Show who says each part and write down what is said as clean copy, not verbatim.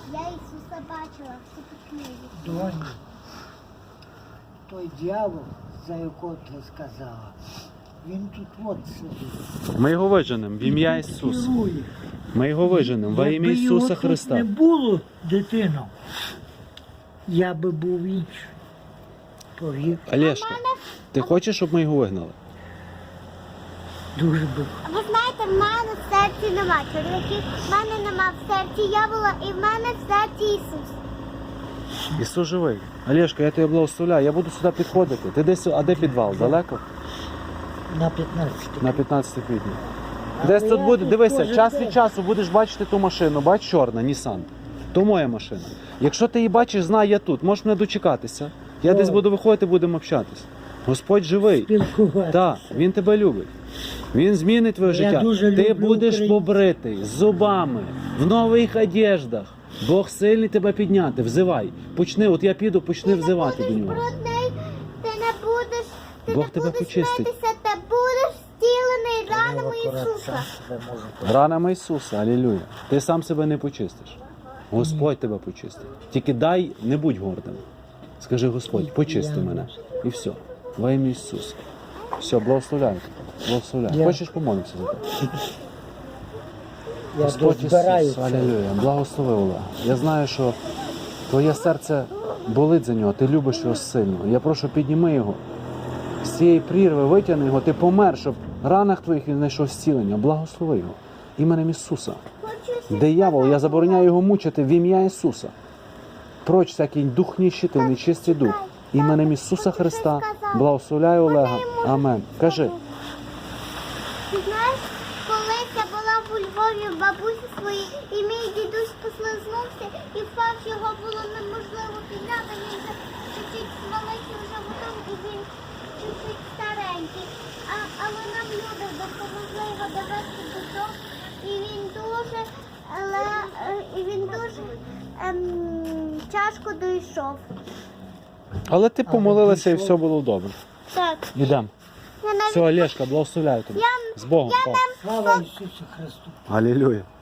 Speaker 1: Я Ісуса бачила, все по книзі.
Speaker 2: Доню, той дьявол, за якого ти сказала, він тут от сидить.
Speaker 3: Ми його виженемо в ім'я Ісуса.
Speaker 2: Керує.
Speaker 3: Ми його виженемо во ім'я
Speaker 2: Якби його
Speaker 3: Ісуса
Speaker 2: тут
Speaker 3: Христа.
Speaker 2: не було, дитино, я би був інший. Повір,
Speaker 3: Олешка, ти хочеш, щоб ми його вигнали?
Speaker 2: дуже би.
Speaker 1: Ви знаєте, в мене в серці нема чоловіків, в мене нема в серці дьявола і в мене в серці Ісус.
Speaker 3: Ісус живий. Олешка, я тебе благословляю, я буду сюди підходити. Ти десь, а де підвал? Далеко?
Speaker 2: На 15.
Speaker 3: На 15 квітня.
Speaker 2: А
Speaker 3: Десь
Speaker 2: я
Speaker 3: тут буде,
Speaker 2: тут
Speaker 3: дивися,
Speaker 2: кожен
Speaker 3: час
Speaker 2: день.
Speaker 3: від часу будеш бачити ту машину, бач, чорна, Nissan. То моя машина. Якщо ти її бачиш, знай, я тут, можеш мене дочекатися. Я
Speaker 2: О.
Speaker 3: десь буду виходити, будемо общатися. Господь живий.
Speaker 2: Спілкуватися.
Speaker 3: Так, Він тебе любить. Він змінить твоє
Speaker 2: Я
Speaker 3: життя.
Speaker 2: дуже
Speaker 3: Ти
Speaker 2: люблю
Speaker 3: будеш
Speaker 2: Україну.
Speaker 3: побритий, з зубами, в нових одеждах. Бог сильний тебе підняти. Взивай. Почни, от я піду, почни взивати до нього.
Speaker 1: Брудний, ти не будеш, ти
Speaker 3: Бог
Speaker 1: не
Speaker 3: тебе
Speaker 1: будеш
Speaker 3: почистить.
Speaker 1: митися, ти будеш зцілений ранами Ісуса.
Speaker 3: Ранами Ісуса, алілюя. Ти сам себе не почистиш. Господь тебе почистить. Тільки дай, не будь гордим. Скажи, Господь, почисти мене. І все. Во ім'я Ісуса. Все, благословляю тебе. Благословляю.
Speaker 2: Я-
Speaker 3: Хочеш помолимося за тебе?
Speaker 2: Я
Speaker 3: Господь
Speaker 2: дозбираю
Speaker 3: Ісус,
Speaker 2: це.
Speaker 3: алілюя. Благослови, Олег. Я знаю, що твоє серце болить за нього, ти любиш його сильно. Я прошу, підніми його. З цієї прірви витягни його, ти помер, щоб в ранах твоїх він знайшов зцілення. Благослови його. Іменем Ісуса. Диявол, я забороняю його мучити в ім'я Ісуса. Проч всякий дух ніщити, нечистий дух. Іменем Ісуса Христа благословляю Олега. Амен. Кажи.
Speaker 1: Ти знаєш, колись я була у Львові в бабусі своїй, і мій дідусь послизнувся, і впав, його було неможливо підняти, він вже чуть-чуть маленький вже готов, і він чуть-чуть старенький. Але нам люди допомогли його довести додому, і він дуже, тяжко дійшов.
Speaker 3: Але ти помолилася і все було добре.
Speaker 1: Так.
Speaker 3: Ідемо.
Speaker 1: Я навіть
Speaker 3: Все, Олешка, благословляю тебе. З Богом. Пап.
Speaker 2: Слава Ісусу Христу.
Speaker 3: Алілюя.